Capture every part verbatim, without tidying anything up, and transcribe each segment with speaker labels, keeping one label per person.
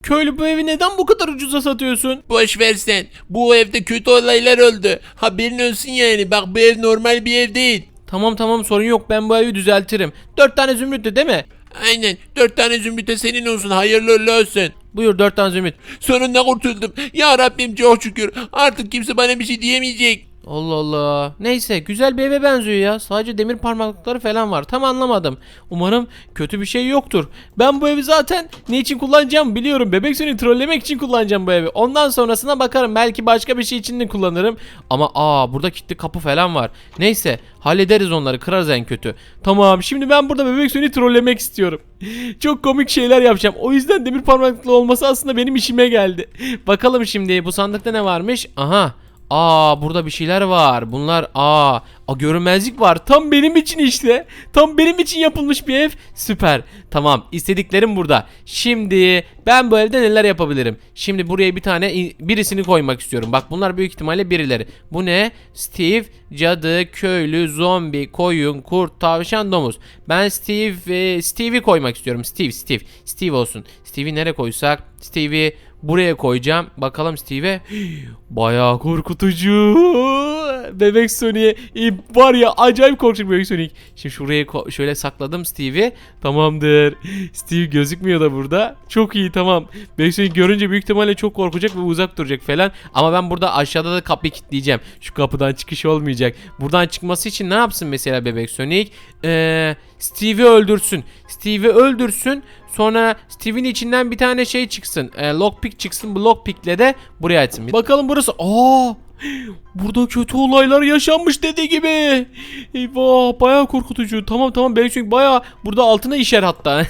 Speaker 1: Köylü, bu evi neden bu kadar ucuza satıyorsun?
Speaker 2: Boş ver sen. Bu evde kötü olaylar oldu. Haberin olsun yani. Bak bu ev normal bir ev değil.
Speaker 1: Tamam tamam, sorun yok, ben bu evi düzeltirim. Dört tane zümrüttü değil mi?
Speaker 2: Aynen. Dört tane zümrüte senin olsun. Hayırlı uğurlu olsun.
Speaker 1: Buyur, dört tane zümrüt.
Speaker 2: Sonunda kurtuldum. Ya Rabbim çok şükür. Artık kimse bana bir şey diyemeyecek.
Speaker 1: Allah Allah. Neyse, güzel bir eve benziyor ya. Sadece demir parmaklıkları falan var. Tam anlamadım. Umarım kötü bir şey yoktur. Ben bu evi zaten ne için kullanacağım biliyorum. Bebek Sonic trollemek için kullanacağım bu evi. Ondan sonrasına bakarım. Belki başka bir şey için de kullanırım. Ama aa, burada kilitli kapı falan var. Neyse, hallederiz onları. Kırarız en kötü. Tamam, şimdi ben burada Bebek Sonic'i trollemek istiyorum. Çok komik şeyler yapacağım. O yüzden demir parmaklıklı olması aslında benim işime geldi. Bakalım şimdi bu sandıkta ne varmış? Aha. Aa, burada bir şeyler var. Bunlar aa, a, görünmezlik var. Tam benim için işte. Tam benim için yapılmış bir ev. Süper. Tamam, istediklerim burada. Şimdi ben bu evde neler yapabilirim? Şimdi buraya bir tane birisini koymak istiyorum. Bak, bunlar büyük ihtimalle birileri. Bu ne? Steve, cadı, köylü, zombi, koyun, kurt, tavşan, domuz. Ben Steve, e, Steve'i koymak istiyorum. Steve, Steve. Steve olsun. Steve'i nereye koysak? Steve'i buraya koyacağım. Bakalım Steve'e. Bayağı korkutucu. Bebek Sonic var ya, acayip korkunç Bebek Sonic. Şimdi şuraya şöyle sakladım Steve'i. Tamamdır. Steve gözükmüyor da burada. Çok iyi, tamam. Bebek Sonic görünce büyük ihtimalle çok korkacak ve uzak duracak falan. Ama ben burada aşağıda da kapıyı kilitleyeceğim. Şu kapıdan çıkış olmayacak. Buradan çıkması için ne yapsın mesela Bebek Sonic? Eee Steve'i öldürsün. Steve'i öldürsün. Sonra Steve'in içinden bir tane şey çıksın. E, lockpick çıksın. Bu lockpick'le de buraya açsın. Bakalım burası. Aa! Burada kötü olaylar yaşanmış dediği gibi. Eyvah, bayağı korkutucu. Tamam tamam, Bebek Sonic bayağı burada altına işer hatta.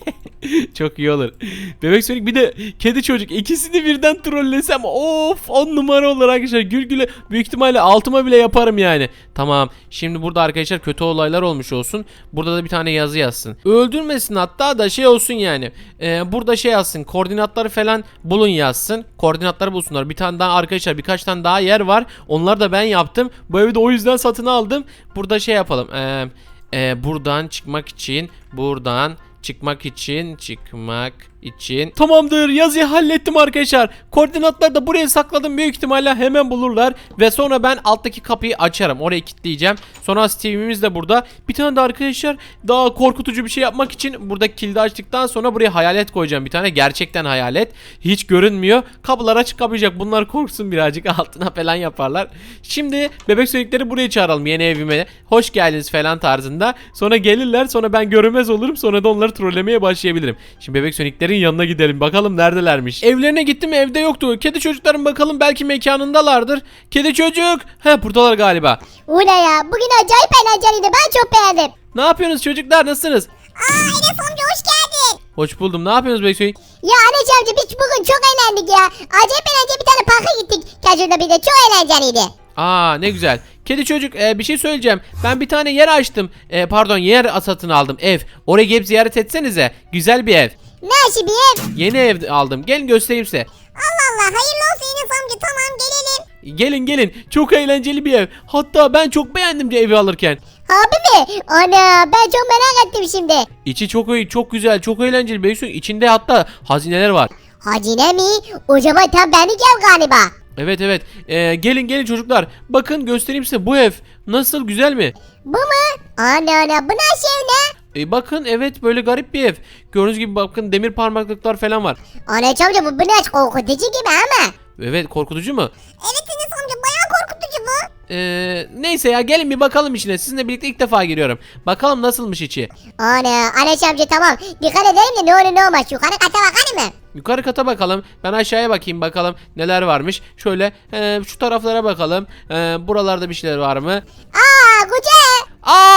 Speaker 1: Çok iyi olur. Bebek Sonic bir de kedi çocuk, ikisini birden trollesem of, on numara olur arkadaşlar. Gül güle büyük ihtimalle altıma bile yaparım yani. Tamam, şimdi burada arkadaşlar kötü olaylar olmuş olsun. Burada da bir tane yazı yazsın. Öldürmesin hatta da şey olsun yani. Ee, burada şey yazsın, koordinatları falan bulun yazsın. Koordinatları bulsunlar. Bir tane daha arkadaşlar, birkaç tane daha yer var. Onlar da ben yaptım. Bu evi de o yüzden satın aldım. Burada şey yapalım. Ee, e, buradan çıkmak için buradan çıkmak için çıkmak için. Tamamdır, yazıyı hallettim arkadaşlar. Koordinatları da buraya sakladım, büyük ihtimalle hemen bulurlar. Ve sonra ben alttaki kapıyı açarım, orayı kilitleyeceğim. Sonra Steve'imiz de burada. Bir tane de arkadaşlar daha korkutucu bir şey yapmak için burada kilidi açtıktan sonra buraya hayalet koyacağım. Bir tane gerçekten hayalet, hiç görünmüyor. Kapılar açık kapayacak, bunlar korksun birazcık, altına falan yaparlar. Şimdi bebek Sonic'leri buraya çağıralım, yeni evime hoş geldiniz falan tarzında. Sonra gelirler, sonra ben görünmez olurum, sonra da onları trollemeye başlayabilirim. Şimdi bebek Sonic'lerin yanına gidelim, bakalım neredelermiş. Evlerine gittim, evde yoktu. Kedi çocukların bakalım, belki mekanındalardır. Kedi çocuk. He, buradalar galiba.
Speaker 3: Ula ya, bugün acayip eğlenceliydi, ben çok beğendim.
Speaker 1: Ne yapıyorsunuz çocuklar, nasılsınız?
Speaker 3: Aa, Enes amca hoş geldin.
Speaker 1: Hoş buldum. Ne yapıyorsunuz bebek Sonic?
Speaker 3: Ya Enes amca, biz bugün çok eğlendik ya. Acayip eğlenceli bir tane parka gittik. Kajur'da bir de çok eğlenceliydi.
Speaker 1: Aa, ne güzel. Kedi çocuk, e, bir şey söyleyeceğim. Ben bir tane yer açtım. E, pardon, yer satın aldım, ev. Oraya gelip ziyaret etsenize. Güzel bir ev.
Speaker 3: Nasıl bir ev?
Speaker 1: Yeni ev aldım. Gelin göstereyim size.
Speaker 3: Allah Allah, hayırlı olsun Enes amca, tamam gelelim.
Speaker 1: Gelin gelin. Çok eğlenceli bir ev. Hatta ben çok beğendim de evi alırken.
Speaker 3: Abi mi? Ana, ben çok merak ettim şimdi.
Speaker 1: İçi çok iyi, çok güzel, çok eğlenceli. Bebek Sonic, içinde hatta hazineler var.
Speaker 3: Hazine mi? O zaman tam benlik ev galiba.
Speaker 1: Evet evet. Ee, gelin gelin çocuklar. Bakın, göstereyim size bu ev. Nasıl, güzel mi?
Speaker 3: Bu mu? Ana ana, bu nasıl ev ne?
Speaker 1: E, bakın, evet, böyle garip bir ev. Gördüğünüz gibi bakın, demir parmaklıklar falan var.
Speaker 3: Ana amca, bu biraz korkutucu gibi ama.
Speaker 1: Evet, korkutucu mu?
Speaker 3: Evet Enes amca, bayağı korkutucu bu.
Speaker 1: Ee, neyse ya, gelin bir bakalım içine. Sizinle birlikte ilk defa giriyorum. Bakalım nasılmış içi.
Speaker 3: Ana, Enes amca tamam. Dikkat edelim de ne olur ne olmaz. Yukarı kata bakar mı?
Speaker 1: Yukarı kata bakalım. Ben aşağıya bakayım, bakalım neler varmış. Şöyle e, şu taraflara bakalım. E, buralarda bir şeyler var mı?
Speaker 3: Aa, güzel.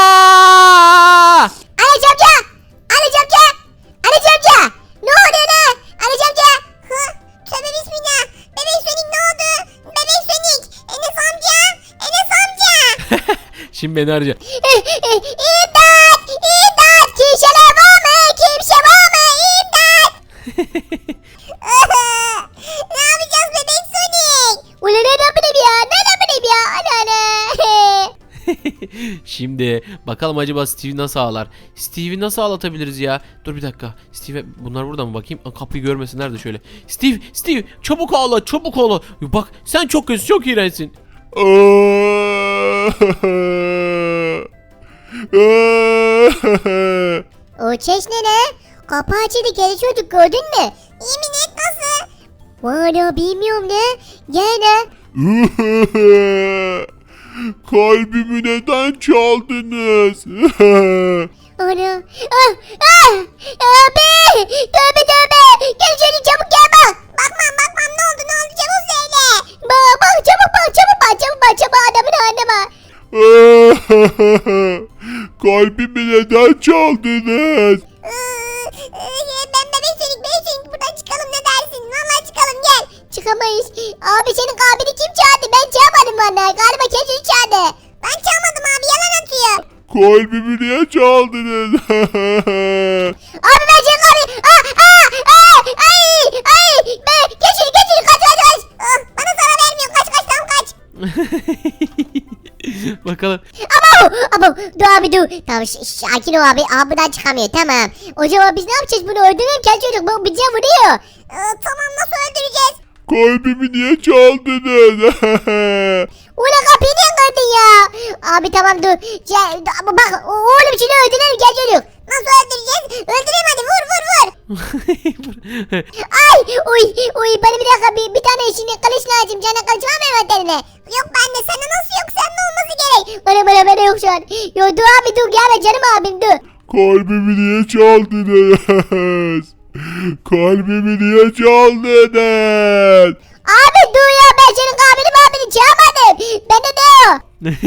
Speaker 1: Aa!
Speaker 3: Enes amca. Enes amca. Enes amca. Ne oluyor lan? Enes amca. Hı? Tövbe bismillah. Bebek Sonic ne oldu? Bebek Sonic. Enes amca. Enes amca.
Speaker 1: Şimdi beni arayacak.
Speaker 3: İmdat. İmdat. Kimseler var mı? Kimse var mı? İmdat. Ne yapacağız bebek Sonic? Ulan ne yapayım ya? Ne yapayım ya? Ana ana.
Speaker 1: Şimdi bakalım acaba Steve'i nasıl ağlar? Steve'i nasıl ağlatabiliriz ya? Dur bir dakika. Steve bunlar burada mı bakayım? Aa, kapıyı görmesinler de şöyle. Steve, Steve çabuk ağla, çabuk ağla. Bak sen çok kötü, çok iğrençsin.
Speaker 3: O ses ne ne? Kapı açıldı kedi çocuk gördün mü? Yemin et nasıl? Valla bilmiyorum ne. Gel ne?
Speaker 2: Kalbimi neden çaldınız?
Speaker 3: Ana. Ah, ah, abi. Tövbe tövbe. Gel şöyle çabuk gel bak. Bakmam bakmam ne oldu ne oldu çabuk söyle. Bak bak çabuk bak çabuk bak çabuk bak çabuk adamın haline bak.
Speaker 2: Kalbimi neden çaldınız?
Speaker 3: Ben bebek çelik bebek çelik buradan çıkalım ne dersin? Vallahi çıkalım gel. Çıkamayız. Abi senin kabini kim çağırdı? Ben çağırmadım vallahi. Galiba kendini çağırdı. Ben çağırmadım abi yalan atıyor.
Speaker 2: Kalbimi niye çaldınız?
Speaker 3: Abi ben senin kabini... Aa, aa, aa, ay, ay. Ben, geç şunu geç şunu kaç kaç kaç. Ah, bana zarar vermiyor kaç kaç tam kaç.
Speaker 1: Bakalım.
Speaker 3: Abo, abo, dur abi dur. Tamam ş- sakin ol abi. Abi buradan çıkamıyor tamam. O zaman biz ne yapacağız bunu öldürelim gel çocuk bu bize vuruyor. Ee, tamam nasıl öldüreceğiz?
Speaker 2: Kalbimi niye çaldınız?
Speaker 3: Ulan kapıyı niye kırdın ya? Abi tamam dur. Ya, bak oğlum şunu öldürelim gel çocuk. Nasıl öldüreceğiz? Öldüreyim hadi vur vur vur. Ay uy uy bana bir dakika bir, bir tane şimdi kılıç lazım. Canı kılıç var mı envanterine? Yok bende sende nasıl yok sende olması gerek. Bana bana bana yok şu an. Yo dur abi dur gelme canım abim dur.
Speaker 2: Kalbimi niye çaldınız? Kalbimi niye çaldınız?
Speaker 3: Abi dur ya ben senin abini abini çağırmadım. Bende ne o?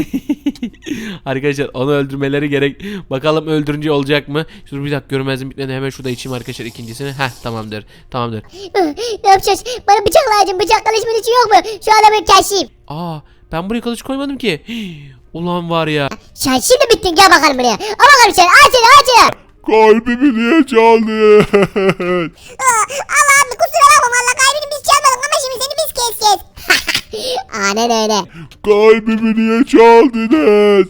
Speaker 1: Arkadaşlar onu öldürmeleri gerek. Bakalım öldürünce olacak mı? Dur bir dakika görmezdim bitmeden hemen şurada içeyim arkadaşlar ikincisini. Heh tamamdır. Tamamdır.
Speaker 3: Ne yapacağız? Bana bıçak lazım. Bıçak kılıç mılıç yok mu? Şu adamı keseyim.
Speaker 1: Aa ben buraya kılıç koymadım ki. Ulan var ya.
Speaker 3: Sen şimdi bittin gel bakalım buraya. Al bakalım sen aç seni aç seni.
Speaker 2: Kalbimi niye çaldınız?
Speaker 3: Allah abi kusura bakma valla kalbini biz çalmadık ama şimdi seni biz keseceğiz. Aynen öyle.
Speaker 2: Kalbimi niye çaldınız?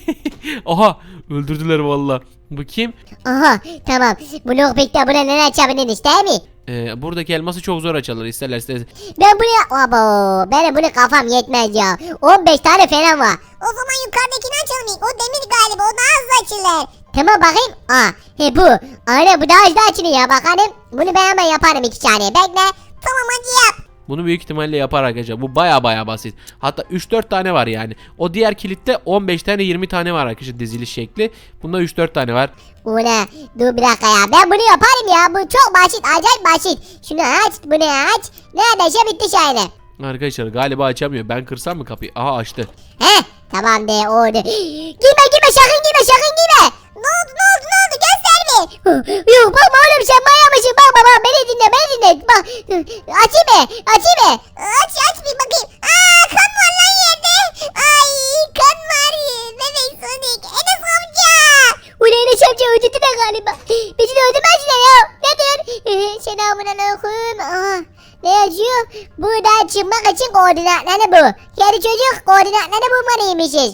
Speaker 1: Aha öldürdüler valla. Bu kim?
Speaker 3: Aha tamam. Bu lockpick'te buna ne açabiliriz değil mi?
Speaker 1: Ee, buradaki elması çok zor açarlar isterler isterler.
Speaker 3: Ben buraya... Abo benim bunu kafam yetmez ya. on beş tane falan var. O zaman yukarıdakini açalım ilk. O demir galiba o daha hızlı açılır. Tamam bakayım. Aa he bu. Aynen bu daha hızlı açılıyor ya bakalım. Bunu ben hemen yaparım iki saniye. Bekle. Tamam hadi yap.
Speaker 1: Bunu büyük ihtimalle yapar arkadaşlar. Bu baya baya basit. Hatta üç dört tane var yani. O diğer kilitte on beş tane yirmi tane var arkadaşlar diziliş şekli. Bunda üç dört tane var.
Speaker 3: Ula dur bir dakika ya ben bunu yaparım ya bu çok basit acayip basit. Şunu aç bunu aç. Neredeyse bitti şöyle.
Speaker 1: Arkadaşlar galiba açamıyor. Ben kırsam mı kapıyı? Aha açtı.
Speaker 3: He tamam de oldu. Girme girme sakın girme sakın girme. Ne oldu ne oldu ne oldu göster mi? Yok bakma oğlum sen manyak mısın bakma bak beni dinle beni dinle. Bak açayım mı açayım mı? Aç aç bir bakayım. Aa kan var lan yerde. Ay kan var. Bebek Sonic. Enes amca. Ulan Enes amca öldürdü de galiba. Bizi de öldürmezler ya. Nedir? Ee, selamun aleyküm. Aa. Ne yazıyor? Buradan çıkmak için koordinatları bu. Yani çocuk koordinatları bulmalıymışız.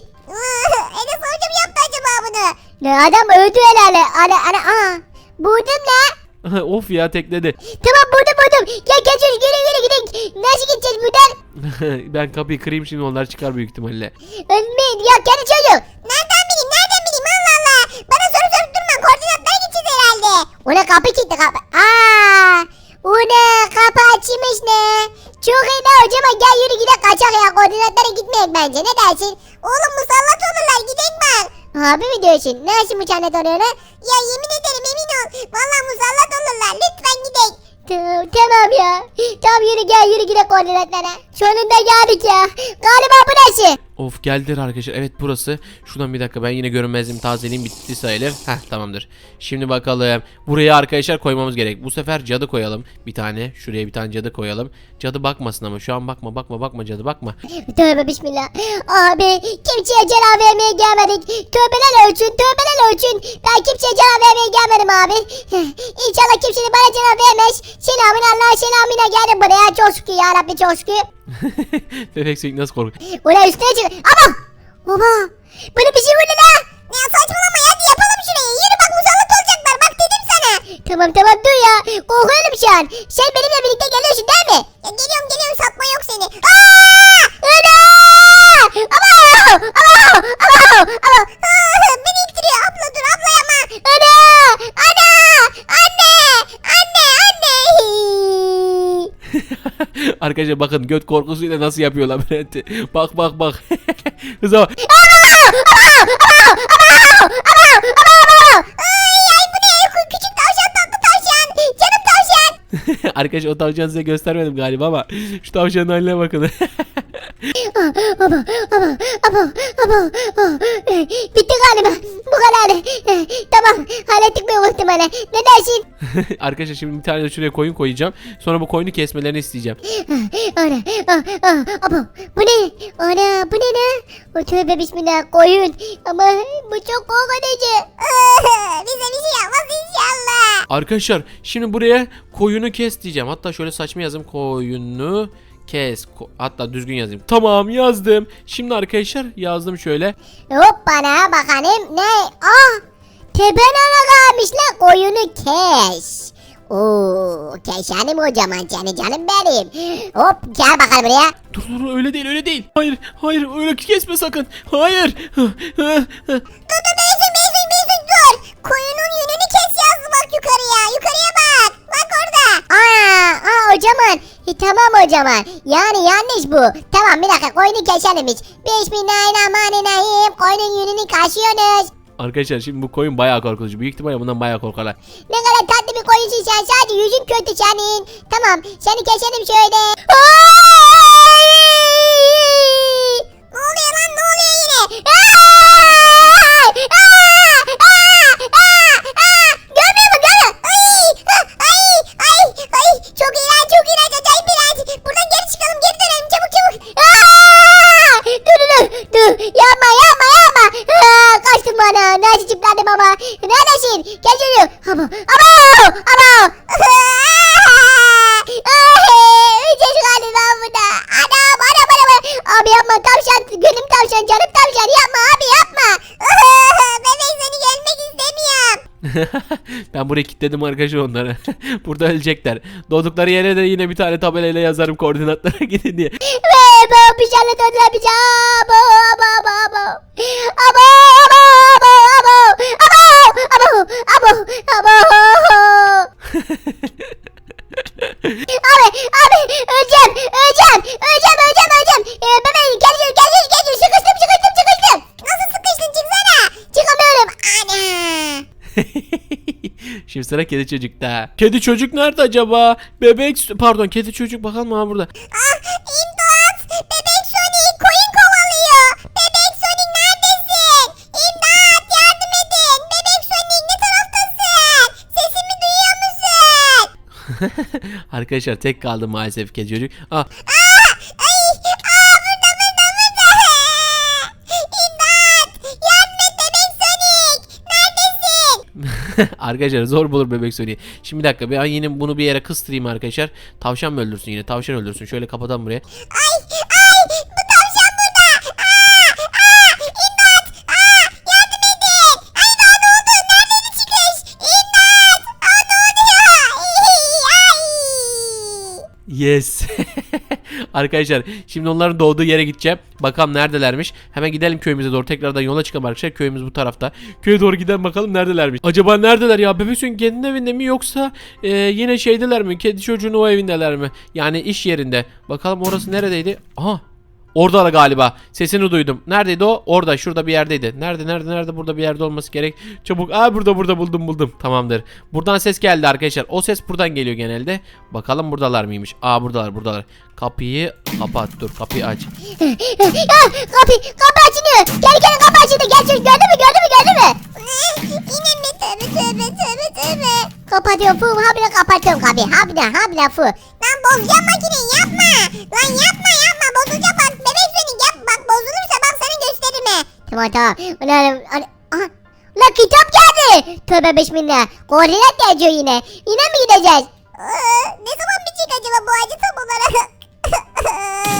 Speaker 3: Enes amca mı yaptı acaba bunu? Ne adam öldü herhalde. Ana ana aa. Buldum ne?
Speaker 1: Of ya tekledi.
Speaker 3: Tamam buldum buldum. Gel gel çocuk yürü yürü gidelim. Nasıl gideceğiz buradan?
Speaker 1: Ben kapıyı kırayım şimdi onlar çıkar büyük ihtimalle.
Speaker 3: Ölmeyin ya kendi çocuk. Nereden bileyim nereden bileyim Allah Allah. Bana soru sorup durma koordinatlara gideceğiz herhalde. Ona kapı kilitli kapı. Aaa. Una kapı açmış ne? Çok iyi ne hocam gel yürü gidelim kaçak ya koordinatlara gitmeyek bence ne dersin? Oğlum musallat olurlar gidelim bak. Abi mi diyorsun? Nasıl musallat oluyorlar? Ya yemin ederim emin ol. Valla musallat olurlar lütfen gidelim. Tamam, tamam ya. Tamam yürü gel yürü gidelim koordinatlara. Sonunda geldik ya. Galiba burası.
Speaker 1: Of geldiler arkadaşlar. Evet burası. Şuradan bir dakika ben yine görünmezliğimi tazeleyeyim bitti sayılır. Heh tamamdır. Şimdi bakalım. Buraya arkadaşlar koymamız gerek. Bu sefer cadı koyalım. Bir tane. Şuraya bir tane cadı koyalım. Cadı bakmasın ama şu an bakma bakma bakma cadı bakma.
Speaker 3: Tövbe bismillah. Abi kimseye cevap vermeye gelmedik. Tövbeler ölçün tövbeler ölçün. Ben kimseye cevap vermeye gelmedim abi. İnşallah kimsenin bana cevap vermez. Selamün Allah'a selamına geldim buraya. Çok şükür ya Rabbi çok şükür.
Speaker 1: Bebek Sonic nasıl korkuyor?
Speaker 3: Ulan üstüne çık. Ama Baba bana bir şey vurdu la. Ya saçmalama hadi yapalım şurayı. Yürü bak musallat olacaklar bak dedim sana. Tamam tamam dur ya. Korkuyorum şu an. Sen benimle birlikte geliyorsun değil mi? Ya geliyorum geliyorum satma yok seni. Aaa! Ana! Ama! Ama! Ama! Ama! Beni ittiriyor. Abla dur abla yapma. Ana! Ana! Anne! Anne! Anne!
Speaker 1: Arkadaşlar bakın göt korkusuyla nasıl yapıyor labirenti. Bak bak bak. Hıza bak.
Speaker 3: Ay bu ne? Küçük tavşan tatlı tavşan. Canım tavşan.
Speaker 1: Arkadaşlar o tavşanı size göstermedim galiba ama şu tavşanın haline bakın.
Speaker 3: Ama ama ama ama bitti galiba bu kadar. Tamam hallettik mi muhtemelen ne dersin?
Speaker 1: Arkadaşlar şimdi bir tane de şuraya koyun koyacağım. Sonra bu koyunu kesmelerini isteyeceğim.
Speaker 3: Ana ama bu ne? Ana bu ne ne? O tövbe bismillah koyun ama bu çok korkutucu. Bize bir şey yapmaz inşallah.
Speaker 1: Arkadaşlar şimdi buraya koyunu kes diyeceğim. Hatta şöyle saçma yazayım, koyunu kes. Ko- Hatta düzgün yazayım. Tamam yazdım. Şimdi arkadaşlar yazdım şöyle.
Speaker 3: Hop bana bakalım ne? Ah tepenana kalmış la koyunu kes. Oo keşanim kocaman canı canım benim. Hop gel bakalım buraya.
Speaker 1: Dur dur öyle değil öyle değil. Hayır hayır öyle kesme sakın. Hayır.
Speaker 3: Dur dur Beysun Beysun Beysun dur. Koyunun yönünü kes yazdı bak yukarıya. Yukarıya bak. Bak orada. Aa, aa hocaman. E, tamam hocaman. Yani yanlış bu. Tamam bir dakika koyunu keselimmiş. Bismillahirrahmanirrahim. Koyunun yönünü kaşıyorsunuz.
Speaker 1: Arkadaşlar şimdi bu koyun bayağı korkutucu. Büyük ihtimalle bundan bayağı korkarlar.
Speaker 3: Ne kadar tatlı bir koyunsun sen. Sadece yüzün kötü senin. Tamam seni keselim şöyle. Ne oluyor lan ne oluyor yine? Görmüyor mu görmüyor? Ay ay ay ay çok iğrenç çok iğrenç acayip iğrenç. Buradan geri çıkalım geri dönelim çabuk çabuk. Dur dur dur dur yapma yapma yapma. Kaçtım bana nasıl çıpladım ama. Neredesin? Gel geliyor. Ama ama ama. Öleceğiz galiba burada. Anam anam anam. Abi yapma tavşan gönlüm tavşan canım tavşan yapma abi yapma. Bebek seni gelmek istemiyorum.
Speaker 1: Ben buraya kilitledim arkadaşlar onları. Burada ölecekler. Doğdukları yere de yine bir tane tabelayla yazarım koordinatlara gidin diye.
Speaker 3: Ve bu bir şeyle döndüler bir şey. Abo abo abo abo. Abo abo abo abo. Abo abo abo abo. Abi abi öleceğim öleceğim öleceğim öleceğim öleceğim. Ee, bebeğim gel gel gel gel gel sıkıştım sıkıştım sıkıştım. Nasıl sıkıştın çıksana. Çıkamıyorum. Ana.
Speaker 1: Şimdi sıra kedi çocukta. Kedi çocuk nerede acaba? Bebek pardon kedi çocuk bakalım ha burada.
Speaker 3: Ah imdat. Bebek Sonic koyun kovalıyor. Bebek Sonic neredesin? İmdat yardım edin. Bebek Sonic ne taraftasın? Sesimi duyuyor musun?
Speaker 1: Arkadaşlar tek kaldı maalesef kedi çocuk. Ah
Speaker 3: Aa, ay, aa burada burada burada. İmdat yardım et Bebek Sonic. Neredesin?
Speaker 1: arkadaşlar zor bulur bebek Sonic. Şimdi bir dakika ben yine bunu bir yere kıstırayım arkadaşlar. Tavşan mı öldürsün yine? Tavşan öldürsün. Şöyle kapatalım buraya.
Speaker 3: Ay ay bu tavşan burada. Aa, aa, imdat. Aa, yardım edin. Ay daha ne oldu? Neredeydi çıkış? İmdat. Aa ne oluyor? Ay.
Speaker 1: Yes. Arkadaşlar şimdi onların doğduğu yere gideceğim. Bakalım neredelermiş. Hemen gidelim köyümüze doğru. Tekrardan yola çıkalım arkadaşlar. Köyümüz bu tarafta. Köye doğru gidelim bakalım neredelermiş. Acaba neredeler ya? Bebek Sonic kendi evinde mi yoksa e, yine şeydeler mi? Kedi çocuğun o evindeler mi? Yani iş yerinde. Bakalım orası neredeydi? Aha. Orada da galiba. Sesini duydum. Neredeydi o? Orada. Şurada bir yerdeydi. Nerede? Nerede? Nerede? Burada bir yerde olması gerek. Çabuk. Aa burada burada buldum buldum. Tamamdır. Buradan ses geldi arkadaşlar. O ses buradan geliyor genelde. Bakalım buradalar mıymış? Aa buradalar buradalar. Kapıyı kapat. Dur kapıyı aç.
Speaker 3: Ah, kapı kapı açılıyor. Gel gel kapı açıldı. Gel çocuk gördün mü gördün mü gördün mü? Yine mi tövbe tövbe tövbe tövbe. Kapatıyorum fu habire kapatıyorum kapıyı. Habire habire fu. Lan bozacağım makineyi yapma. Lan yapma yapma bozacağım bak. Bebek seni yap bak bozulursa bak sana gösteririm he. Tamam tamam. Ulan aha. La kitap geldi. Tövbe bismillah. Koordinat yazıyor yine. Yine mi gideceğiz? ne zaman bitecek acaba bu acı tam olarak?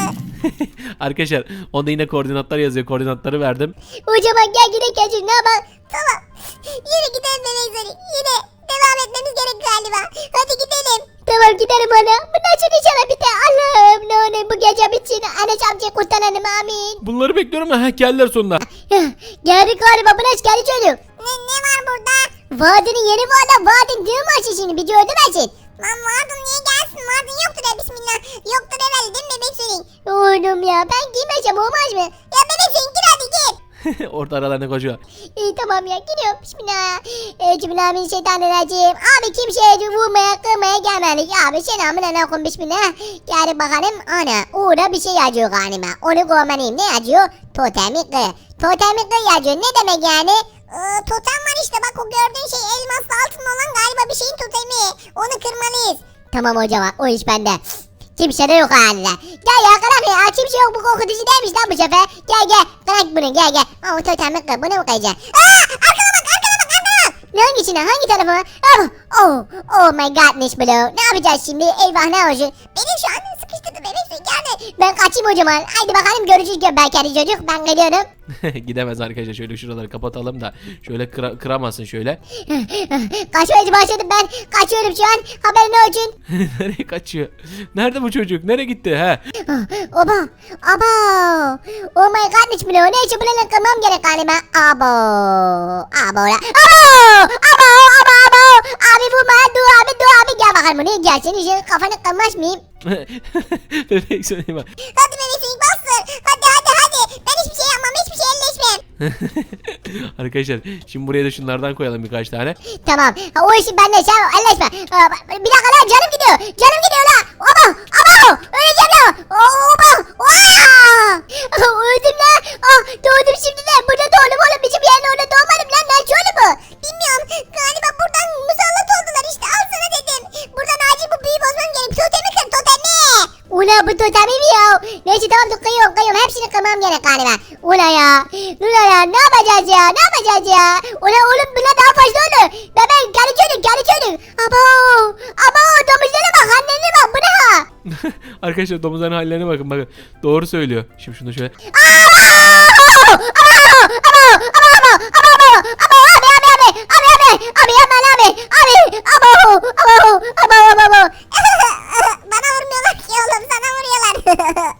Speaker 1: Arkadaşlar onda yine koordinatlar yazıyor. Koordinatları verdim.
Speaker 3: O zaman gel gidelim gel. Ne yapalım? Tamam. Yine gidelim bebek Sonic. Yine devam etmemiz gerek galiba. Hadi gidelim. Tamam gidelim ana. Bundan sonra inşallah bir de Allah'ım ne olur bu gece bitsin. Anne amca kurtaralım amin.
Speaker 1: Bunları bekliyorum da heh, geldiler sonunda.
Speaker 3: Geldik galiba Bınaş geldi çocuk. Ne, ne var burada? Vadinin yeni vada vadin değil mi açı şimdi bir gördüm açın. Lan vadin niye gelsin vadin yoktur ya bismillah. Yoktur herhalde değil mi bebek Sonic? Oğlum ya ben giymeyeceğim olmaz mı? Ya bebek Sonic gir hadi gir.
Speaker 1: Orada aralarına koşuyor.
Speaker 3: İyi tamam ya gidiyorum bismillah. Euzubillahimineşşeytanirracim. Abi kimseye vurmaya kırmaya gelmedik. Abi selamun aleyküm bismillah. Gel bakalım ana orada bir şey yazıyor galiba. Onu görmeliyim ne yazıyor? Totemi kı. Totemi kı yazıyor ne demek yani? Ee, totem var işte bak o gördüğün şey elmaslı altın olan galiba bir şeyin totemi. Onu kırmalıyız. Tamam hocam o iş bende. Kimse de yok halde. Gel ya kırak ya kimse yok bu korkutucu değilmiş lan bu sefer. Gel gel kırak bunu gel gel. Aa totemi kır bunu mu kıracaksın? Aaa arkana bak arkana bak arkana bak. Hangisine hangi tarafa? Oh, oh, oh my godness bro. Ne yapacağız şimdi? Eyvah ne olacak? Benim şu an sıkıştırdı bebek suyu geldi. Ben kaçayım o zaman. Haydi bakalım görüşürüz göbekli çocuk. Ben geliyorum.
Speaker 1: Gidemez arkadaşlar. Şöyle şuraları kapatalım da. Şöyle kıra kıramasın şöyle.
Speaker 3: Kaçmaya başladım ben. Kaçıyorum şu an. Haberin olsun.
Speaker 1: Nereye kaçıyor? Nerede bu çocuk? Nereye gitti? He?
Speaker 3: Oba. Aba. Oh my godness bro. Neyse bunu kırmam gerek galiba. Abo. Abo. Abo. Abo. Abo. Abo. Abi vurma. Dur abi dur abi. Gel bakalım buraya gel. Senin için kafanı kırmaz mıyım?
Speaker 1: Bebek Sonic bak.
Speaker 3: Hadi bebek Sonic bastır. Hadi hadi hadi. Ben hiçbir şey yapmam. Hiçbir şey elleşmem.
Speaker 1: Arkadaşlar şimdi buraya da şunlardan koyalım birkaç tane.
Speaker 3: Tamam. Ha, o işi bende. Sen elleşme. Aa, bir dakika lan canım gidiyor. Canım gidiyor lan. Aba. Aba. Öleceğim lan. Oba. Oha. Öldüm lan. Ah, doğdum şimdi de. Burada doğdum oğlum. Bizim yerin orada doğmadım lan. Ne şöyle bu? Bilmiyorum. Galiba buradan musallat oldular işte. Al sana dedim. Buradan acil bu büyü bozmam gerek. Totemi kır totemi. Ula bu totemi mi ya? Neyse tamam dur kıyıyorum kıyıyorum. Hepsini kırmam gerek galiba. Ula ya. Ula ya ne yapacağız ya? Ne yapacağız ya? Ula oğlum buna daha fazla olur. Bebeğim gel çocuk gel çocuk. Abo. Abo domuzlara bak annene bak bu ne ha?
Speaker 1: Arkadaşlar domuzların hallerine bakın bakın. Doğru söylüyor. Şimdi şunu şöyle.
Speaker 3: Bana vurmuyorlar ki oğlum sana vuruyorlar.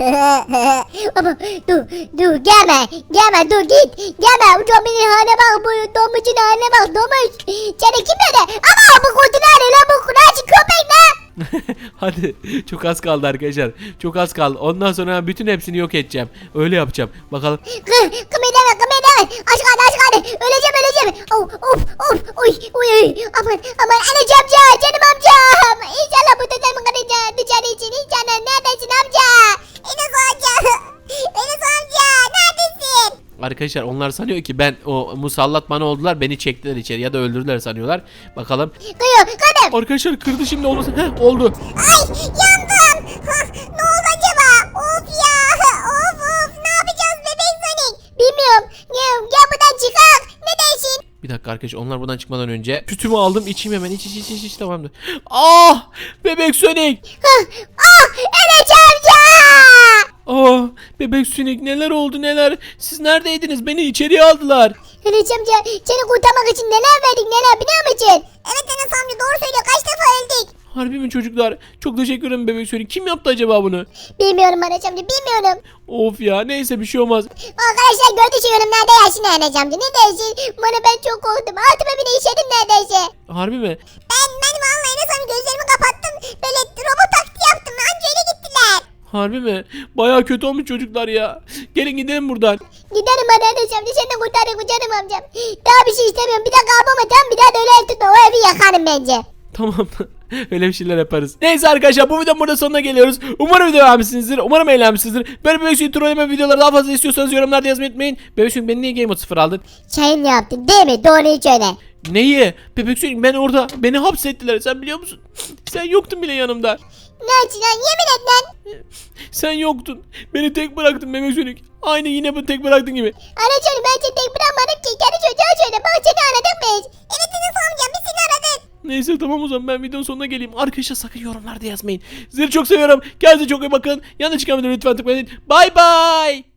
Speaker 3: Ama dur dur gelme gelme dur git gelme bu domuzun haline bak bu domuzun haline bak domuz. Seni kim dedi? Ama bu kurdu nerede lan bu kuracı köpek ne?
Speaker 1: Hadi çok az kaldı arkadaşlar. Çok az kaldı. Ondan sonra bütün hepsini yok edeceğim. Öyle yapacağım. Bakalım.
Speaker 3: Kı, kımıldama kımıldama. Aç kaldı aç kaldı. Öleceğim öleceğim. Of of of. Uy uy uy. Aman aman anacığım amca canım amcam. İnşallah bu dedemi kıracağım. Dışarı için inşallah neredesin amca? Enes amca. Enes amca neredesin?
Speaker 1: Arkadaşlar onlar sanıyor ki ben o musallat bana oldular. Beni çektiler içeri ya da öldürdüler sanıyorlar. Bakalım.
Speaker 3: Kıyıyor kırdım.
Speaker 1: Arkadaşlar kırdı şimdi olmasın. Heh oldu.
Speaker 3: Ay yandım. Hah, ne oldu acaba? Of ya. Of of ne yapacağız bebek Sonic? Bilmiyorum. Gel, gel buradan çıkak. Ne dersin?
Speaker 1: Bir dakika arkadaşlar onlar buradan çıkmadan önce sütümü aldım içeyim hemen iç iç iç iç, iç tamamdır. Ah bebek Sonic.
Speaker 3: Hah, ah Enes amca.
Speaker 1: Ah bebek Sonic neler oldu neler. Siz neredeydiniz beni içeriye aldılar.
Speaker 3: Enes amca seni kurtarmak için neler verdik neler biliyor musun? Evet Enes amca doğru söylüyor kaç defa öldük.
Speaker 1: Harbi mi çocuklar? Çok teşekkür ederim bebek Sonic. Kim yaptı acaba bunu?
Speaker 3: Bilmiyorum Enes amca bilmiyorum.
Speaker 1: Of ya neyse bir şey olmaz.
Speaker 3: Arkadaşlar gördüğünüz yorumlarda yaşın Enes amca ne dersin? Bana ben çok korktum altıma bile işedim neredeyse.
Speaker 1: Harbi mi?
Speaker 3: Ben ben vallahi Enes amca gözlerimi kapattım böyle robot taklidi yaptım anca öyle gittiler.
Speaker 1: Harbi mi? Baya kötü olmuş çocuklar ya. Gelin gidelim buradan.
Speaker 3: Giderim bana Enes amca sen de kurtarın canım amcam. Daha bir şey istemiyorum bir daha kalmama tamam bir daha da öyle ev tutma o evi yakarım bence.
Speaker 1: Tamam. Öyle bir şeyler yaparız. Neyse arkadaşlar bu videonun burada sonuna geliyoruz. Umarım video beğenmişsinizdir. Umarım eğlenmişsinizdir. Böyle Bebek Sonic trolleme videoları daha fazla istiyorsanız yorumlarda yazmayı unutmayın. Bebek Sonic beni niye Game Mode sıfır aldın?
Speaker 3: Şeyin yaptın değil mi? Doğruyu söyle.
Speaker 1: Neyi? Bebek Sonic ben orada beni hapsettiler sen biliyor musun? Sen yoktun bile yanımda.
Speaker 3: Ne için lan yemin et lan.
Speaker 1: Sen yoktun. Beni tek bıraktın Bebek Sonic. Aynı yine bu tek bıraktın gibi.
Speaker 3: Anacığım ben seni tek bırakmadım ki. Kendi çocuğa söyle bak seni aradık biz. Evet Enes amca biz seni aradık.
Speaker 1: Neyse tamam o zaman ben videonun sonuna geleyim. Arkadaşlar sakın yorumlarda yazmayın. Sizleri çok seviyorum. Kendinize çok iyi bakın. Yanlış çıkan videoları lütfen tıklayın. Bay bay.